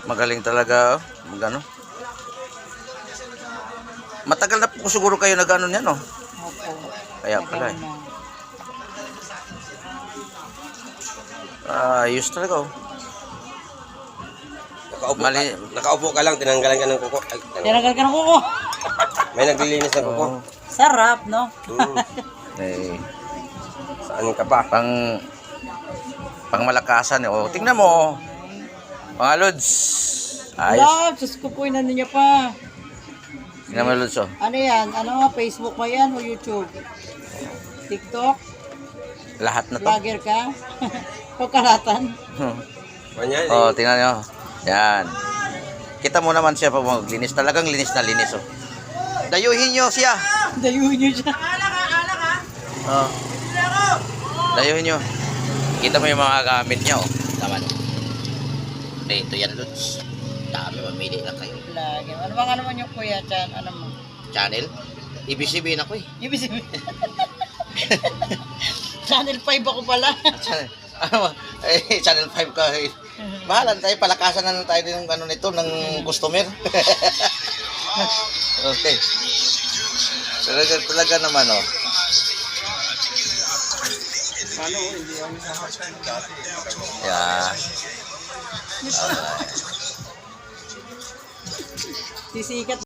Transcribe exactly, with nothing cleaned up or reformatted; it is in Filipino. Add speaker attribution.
Speaker 1: Magaling talaga, oh. Magano. Matagal na po siguro kayo nag-ano niyan, no?
Speaker 2: Opo.
Speaker 1: Kaya pala eh.
Speaker 2: Nagawa na.
Speaker 1: Ah, ayos talaga, oh.
Speaker 3: Nakaupo,
Speaker 1: Mali.
Speaker 3: ka, nakaupo ka lang, tinanggalan ka ng kuko. Ay, tinanggalan.
Speaker 2: Tinagal ka ng kuko.
Speaker 3: May naglilinis ng kuko.
Speaker 1: Oh.
Speaker 2: Sarap, no?
Speaker 3: Hmm.
Speaker 1: Eh,
Speaker 3: Saan ka pa?
Speaker 1: pang pang malakasan, eh. Oh, tingnan mo. Mga lods. Ayos.
Speaker 2: Love, sus ko po, inano niya pa.
Speaker 1: Tingnan mo, lods, oh.
Speaker 2: Ano yan? Ano nga, Facebook ba yan o YouTube? TikTok?
Speaker 1: Lahat na to.
Speaker 2: Vlogger ka? Pagkalatan?
Speaker 3: Manyan,
Speaker 1: Oh,
Speaker 3: eh.
Speaker 1: tingnan nyo. Yan. Kita mo naman siya pag maglinis. Talagang linis na linis, oh. Dayuhin nyo siya.
Speaker 2: Dayuhin niyo siya.
Speaker 1: Oh. Dayuhin nyo. Kita mo yung mga gamit niya, oh. Tama no. Dito yan, Lods. Dami, mamili lang kayo.
Speaker 2: Vlogger. Ano bang ano man yung kuya dyan? Ano mo?
Speaker 1: Channel? Ibig sabihin ako, eh.
Speaker 2: Ibig sabihin. Channel five ako pala.
Speaker 1: Channel, ano, eh, Channel five ka, eh. Bahala na tayo, palakasan na lang tayo ng ano nito, ng customer. Okay. Talaga, talaga naman, oh. Yeah.
Speaker 2: Sisikat